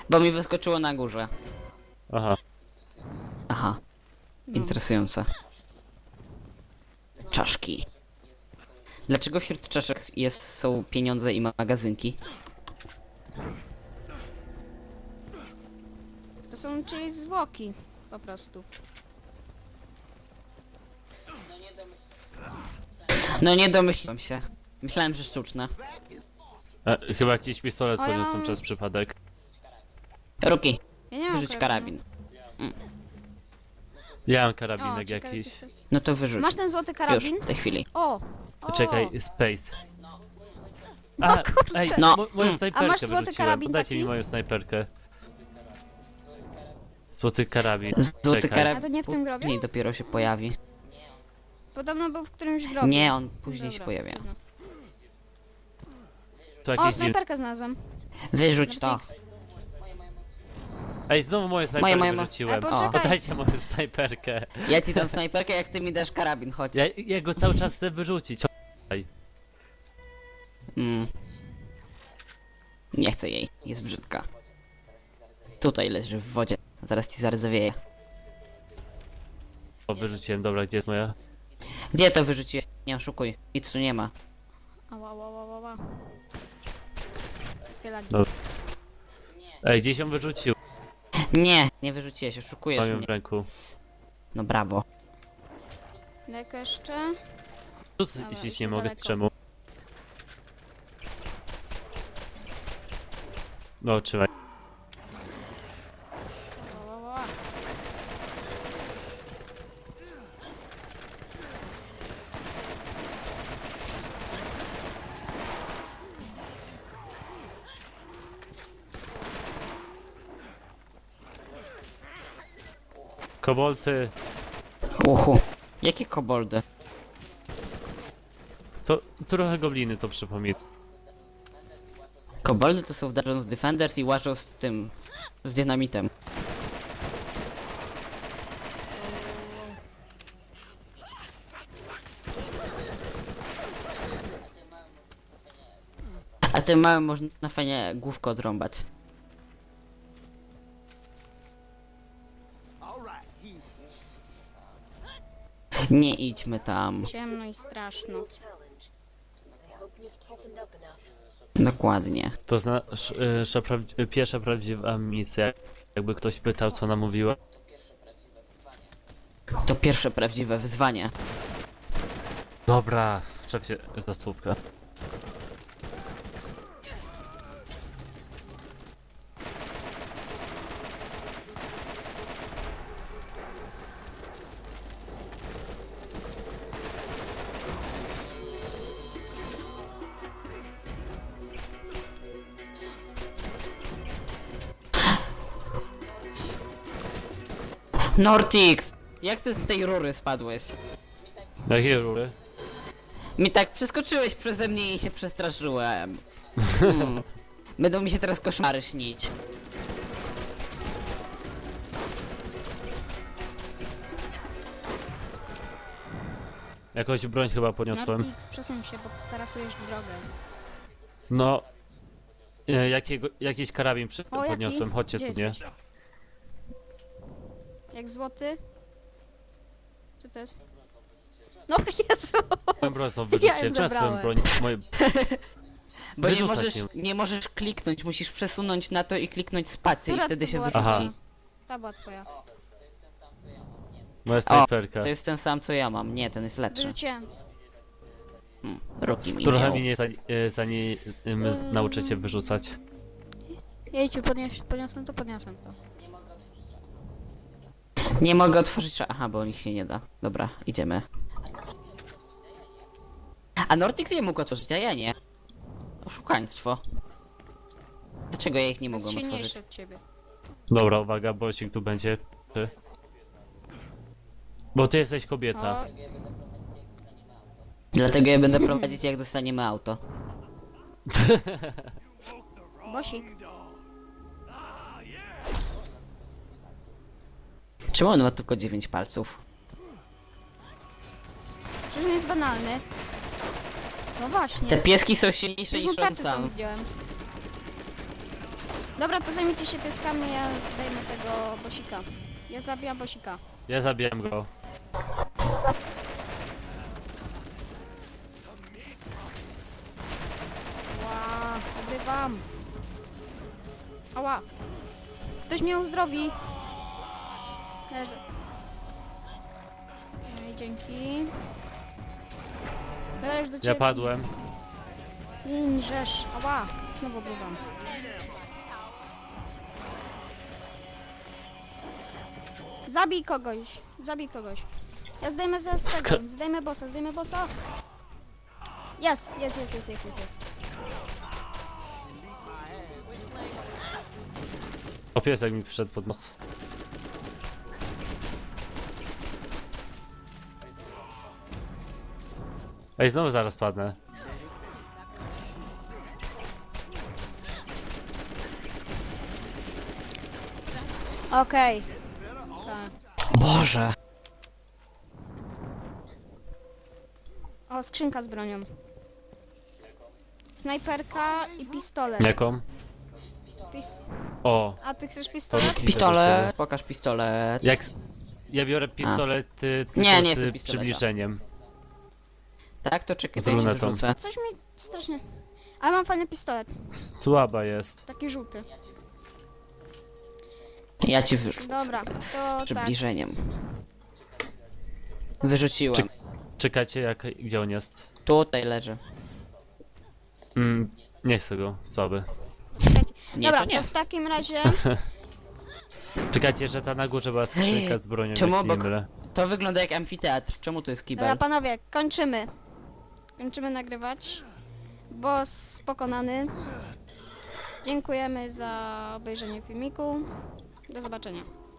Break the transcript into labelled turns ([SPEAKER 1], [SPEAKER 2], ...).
[SPEAKER 1] Bo mi wyskoczyło na górze.
[SPEAKER 2] Aha.
[SPEAKER 1] Aha.
[SPEAKER 3] No.
[SPEAKER 1] Interesujące. Czaszki. Dlaczego wśród czaszek są pieniądze i magazynki?
[SPEAKER 3] To są czyjeś zwłoki. Po prostu.
[SPEAKER 1] No nie domyśliłem się. Myślałem, że sztuczne.
[SPEAKER 2] Chyba jakiś pistolet
[SPEAKER 3] O, ja
[SPEAKER 2] podniosłem
[SPEAKER 3] mam-
[SPEAKER 2] przez przypadek.
[SPEAKER 1] Ruki,
[SPEAKER 3] Ja nie mam
[SPEAKER 1] wyrzuć karabin.
[SPEAKER 2] Ja mam
[SPEAKER 3] O,
[SPEAKER 2] karabinek
[SPEAKER 3] ciekawe,
[SPEAKER 2] jakiś.
[SPEAKER 3] to-
[SPEAKER 1] No to wyrzuć.
[SPEAKER 3] Masz ten złoty karabin?
[SPEAKER 1] Już, w tej chwili.
[SPEAKER 3] O!
[SPEAKER 2] Czekaj, space.
[SPEAKER 3] No
[SPEAKER 2] A,
[SPEAKER 3] kurczę.
[SPEAKER 2] ej,
[SPEAKER 1] No.
[SPEAKER 2] moją
[SPEAKER 3] A masz
[SPEAKER 2] snajperkę
[SPEAKER 3] złoty
[SPEAKER 2] wyrzuciłem.
[SPEAKER 3] karabin
[SPEAKER 2] Podajcie mi
[SPEAKER 3] taki?
[SPEAKER 2] moją snajperkę. Złoty karabin.
[SPEAKER 1] Złoty
[SPEAKER 2] Czekaj.
[SPEAKER 1] karabin
[SPEAKER 3] A to nie w tym grobie?
[SPEAKER 1] później dopiero się pojawi.
[SPEAKER 3] Podobno był w którymś grobie.
[SPEAKER 1] Nie, on później się
[SPEAKER 3] Dobra,
[SPEAKER 1] pojawia.
[SPEAKER 3] trudno.
[SPEAKER 2] Tu
[SPEAKER 3] O,
[SPEAKER 2] jakieś dziwne...
[SPEAKER 3] snajperkę znalazłem.
[SPEAKER 1] Wyrzuć to.
[SPEAKER 3] Nortix.
[SPEAKER 2] Ej, znowu moją snajperkę
[SPEAKER 1] moje.
[SPEAKER 2] wyrzuciłem.
[SPEAKER 3] A, poczekaj.
[SPEAKER 2] Podajcie moją snajperkę.
[SPEAKER 1] Ja ci dam snajperkę, jak ty mi dasz karabin, chodź.
[SPEAKER 2] Ja go cały czas chcę wyrzucić. Ej,
[SPEAKER 1] Mm. Nie chcę jej, jest brzydka. Tutaj leży w wodzie, zaraz ci zarzewieje.
[SPEAKER 2] o, wyrzuciłem, dobra, gdzie jest moja?
[SPEAKER 1] Gdzie to wyrzuciłeś? Nie oszukuj, nic tu nie ma.
[SPEAKER 3] Ała, ała, ała, ała. Pielagi.
[SPEAKER 2] No. Ej, gdzieś ją wyrzucił.
[SPEAKER 1] Nie wyrzuciłeś, oszukujesz
[SPEAKER 2] Mam ją
[SPEAKER 1] mnie.
[SPEAKER 2] w ręku.
[SPEAKER 1] No brawo.
[SPEAKER 3] Daleko jeszcze?
[SPEAKER 2] Rzuć,
[SPEAKER 3] Dobra,
[SPEAKER 2] jeśli
[SPEAKER 3] już
[SPEAKER 2] nie mogę,
[SPEAKER 3] niedaleko.
[SPEAKER 2] z czemu. No, trzymaj.
[SPEAKER 3] Ała, ała, ała.
[SPEAKER 2] Kobolty.
[SPEAKER 1] Uhu. Jakie koboldy?
[SPEAKER 2] To trochę gobliny to przypomina.
[SPEAKER 1] Koboldy to są w Dungeons Defenders i łażą z tym... z dynamitem. A tym małym można fajnie główkę odrąbać. Nie idźmy tam.
[SPEAKER 3] Ciemno i straszno.
[SPEAKER 1] Dokładnie.
[SPEAKER 2] To pierwsza prawdziwa misja. Jakby ktoś pytał, co nam mówiła.
[SPEAKER 1] To pierwsze prawdziwe wyzwanie.
[SPEAKER 2] Dobra, czep się za słówka.
[SPEAKER 1] Nortix! Jak ty z tej rury spadłeś?
[SPEAKER 2] Jakie rury?
[SPEAKER 1] Mi tak przeskoczyłeś przeze mnie i się przestraszyłem. Hmm. Będą mi się teraz koszmary śnić.
[SPEAKER 2] Jakąś broń chyba podniosłem.
[SPEAKER 3] Nortix, przesuń się, bo tarasujesz drogę.
[SPEAKER 2] No. Jakiś karabin
[SPEAKER 3] O, jaki?
[SPEAKER 2] podniosłem, chodźcie
[SPEAKER 3] Gdzie
[SPEAKER 2] tu, nie?
[SPEAKER 3] jesteś? Jak złoty? Co to jest? No Jezu!
[SPEAKER 2] Moją broń znowu
[SPEAKER 3] Ja
[SPEAKER 2] wyrzuciłem.
[SPEAKER 3] ją
[SPEAKER 2] Czemu swoją
[SPEAKER 3] zabrałem.
[SPEAKER 2] broń? Moje...
[SPEAKER 1] Bo nie
[SPEAKER 2] Wyrzucać
[SPEAKER 1] możesz,
[SPEAKER 2] ją.
[SPEAKER 1] nie możesz kliknąć, musisz przesunąć na to i kliknąć spację i
[SPEAKER 3] Która
[SPEAKER 1] wtedy
[SPEAKER 3] to
[SPEAKER 1] się
[SPEAKER 3] była
[SPEAKER 1] wyrzuci.
[SPEAKER 2] Aha.
[SPEAKER 3] Ta była twoja.
[SPEAKER 2] Moja snajperka.
[SPEAKER 1] To jest ten sam co ja mam. Nie, ten jest lepszy.
[SPEAKER 3] Wyrzuciłem.
[SPEAKER 1] Roki mi
[SPEAKER 2] Trochę
[SPEAKER 1] wziął.
[SPEAKER 2] mnie zanim nauczę cię wyrzucać.
[SPEAKER 3] Jejciu, podniosłem to, podniosłem to.
[SPEAKER 1] Nie mogę otworzyć... Aha, bo ich się nie da. Dobra, idziemy. A Nortix je mógł otworzyć, a ja nie. Oszukaństwo. Dlaczego ja ich nie
[SPEAKER 3] Jest
[SPEAKER 1] mogłem otworzyć?
[SPEAKER 3] silniejszy od ciebie.
[SPEAKER 2] Dobra, uwaga, bocik tu będzie. Bo ty jesteś kobieta.
[SPEAKER 3] O,
[SPEAKER 1] Dlatego ja będę prowadzić, jak dostaniemy auto.
[SPEAKER 3] Bosik.
[SPEAKER 1] Czemu on ma tylko 9 palców?
[SPEAKER 3] Przecież on jest banalny. No właśnie.
[SPEAKER 1] Te pieski są silniejsze
[SPEAKER 3] Przecież
[SPEAKER 1] niż
[SPEAKER 3] mu
[SPEAKER 1] on
[SPEAKER 3] tarczę sam
[SPEAKER 1] sam.
[SPEAKER 3] widziałem. Dobra, to zajmijcie się pieskami, ja zdejmę tego bosika. Ja zabijam bosika.
[SPEAKER 2] Ja zabijam go.
[SPEAKER 3] Ła, odbywam. Ała. Ktoś mnie uzdrowi. Leży. Ej, dzięki. Leż do ciebie.
[SPEAKER 2] Ja padłem.
[SPEAKER 3] Ninżesz. Ała. Znowu odbywam. Zabij kogoś. Zabij kogoś. Ja zdejmę zaraz tego. Zdejmę bossa. Zdejmę bossa. Jest.
[SPEAKER 2] O, piesek mi wszedł pod nos. Ej, znowu zaraz padnę.
[SPEAKER 3] Okej. Tak.
[SPEAKER 1] Boże.
[SPEAKER 3] O, skrzynka z bronią. Snajperka i pistolet.
[SPEAKER 2] Jaką?
[SPEAKER 3] Pis
[SPEAKER 2] O,
[SPEAKER 3] A ty chcesz pistolet?
[SPEAKER 1] Pistolet. Pokaż pistolet.
[SPEAKER 2] jak... Ja biorę pistolet tylko
[SPEAKER 1] Nie, nie
[SPEAKER 2] z
[SPEAKER 1] chcę pistoleta.
[SPEAKER 2] przybliżeniem.
[SPEAKER 1] Tak, to czekaj,
[SPEAKER 2] Z
[SPEAKER 1] to ja ci
[SPEAKER 2] lunetą.
[SPEAKER 1] wyrzucę.
[SPEAKER 3] Coś mi strasznie... Ale mam fajny pistolet.
[SPEAKER 2] Słaba jest.
[SPEAKER 3] Taki żółty.
[SPEAKER 1] Ja ci wyrzucę.
[SPEAKER 3] Dobra,
[SPEAKER 1] teraz
[SPEAKER 3] to
[SPEAKER 1] z
[SPEAKER 3] tak.
[SPEAKER 1] przybliżeniem. Wyrzuciłem.
[SPEAKER 2] Czekajcie, gdzie on jest?
[SPEAKER 1] Tutaj leży.
[SPEAKER 2] Nie chcę go, słaby.
[SPEAKER 3] Czekajcie.
[SPEAKER 1] Nie,
[SPEAKER 3] Dobra,
[SPEAKER 1] to nie.
[SPEAKER 3] w takim razie...
[SPEAKER 2] Czekajcie, że ta na górze była skrzynka z bronią,
[SPEAKER 1] czemu
[SPEAKER 2] jak się nie
[SPEAKER 1] obok-
[SPEAKER 2] mylę.
[SPEAKER 1] To wygląda jak amfiteatr. Czemu to jest
[SPEAKER 3] Dobra,
[SPEAKER 1] kibel?
[SPEAKER 3] panowie, kończymy. Kończymy nagrywać. Boss pokonany. Dziękujemy za obejrzenie filmiku. Do zobaczenia.